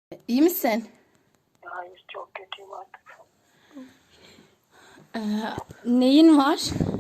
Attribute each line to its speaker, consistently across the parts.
Speaker 1: İyi misin?
Speaker 2: Hayır, çok kötüyüm artık.
Speaker 1: Neyin var?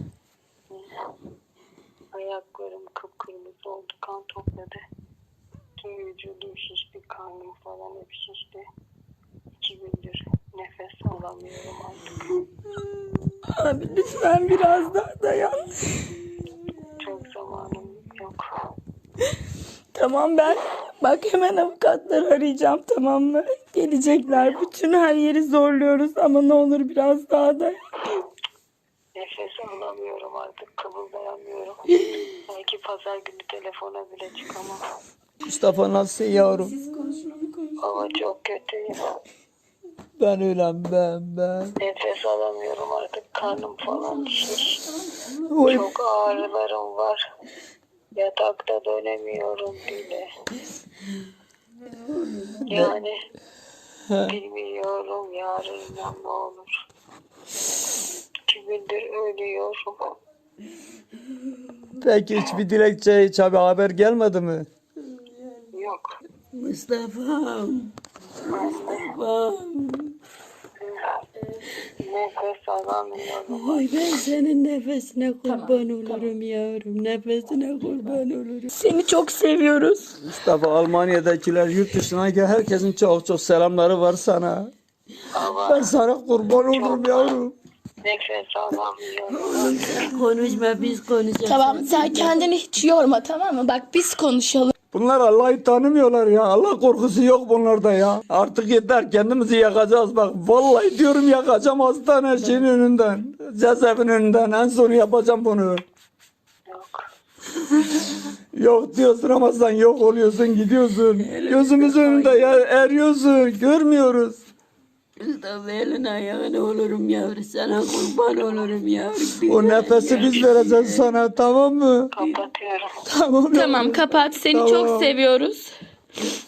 Speaker 2: Ayaklarım kıpkırmızı oldu, kan topladı. Tüm vücudum şişti, karnım falan hep şişti. 2 gündür nefes alamıyorum artık.
Speaker 1: Abi lütfen biraz daha dayan.
Speaker 2: Çok zamanım yok.
Speaker 1: Tamam ben. Bak hemen avukatları arayacağım, tamam mı? Gelecekler. Bütün her yeri zorluyoruz ama ne olur biraz daha dayan.
Speaker 2: Nefes alamıyorum artık, kıvıldayamıyorum. Belki pazar günü telefona bile çıkamam.
Speaker 3: Mustafa nasılsın yavrum?
Speaker 2: Ama çok kötüyüm.
Speaker 3: Ben öylem ben.
Speaker 2: Nefes alamıyorum artık, karnım falan şiş.
Speaker 3: Oy.
Speaker 2: Çok ağrılarım var. Yatakta dönemiyorum bile. Yani bilmiyorum yarın ne olur. 2 gündür ölüyorum.
Speaker 3: Peki hiçbir dilekçe, hiç bir haber gelmedi mi?
Speaker 2: Yok.
Speaker 4: Mustafa'm.
Speaker 2: Nefes alamıyorum.
Speaker 4: Oy ben senin nefesine kurban olurum yavrum. Nefesine kurban olurum.
Speaker 1: Seni çok seviyoruz.
Speaker 3: Mustafa, Almanya'dakiler, yurt dışına gel, herkesin çok selamları var sana.
Speaker 2: Ama
Speaker 3: Ben sana kurban olurum yavrum.
Speaker 2: nefes alamıyorum.
Speaker 4: Sen konuşma biz konuşacağız.
Speaker 1: Tamam sen kendini hiç yorma, tamam mı? Bak biz konuşalım.
Speaker 3: Bunlar Allah'ı tanımıyorlar ya. Allah korkusu yok bunlarda ya. Artık yeter, kendimizi yakacağız bak. Vallahi diyorum yakacağım hastane şeyin önünden. Cezaevinin önünden. En sonu yapacağım bunu.
Speaker 2: Yok.
Speaker 3: Yok diyorsun ama sen yok oluyorsun, gidiyorsun. Gözümüz önünde ya, eriyorsun. Görmüyoruz.
Speaker 4: Mustafa elin ayağına olurum yavrum. Sana kurban olurum yavrum.
Speaker 3: O nefesi biz vereceğiz sana, tamam mı?
Speaker 2: Kapatıyorum.
Speaker 3: Tamam.
Speaker 1: Tamam kapat, seni çok seviyoruz.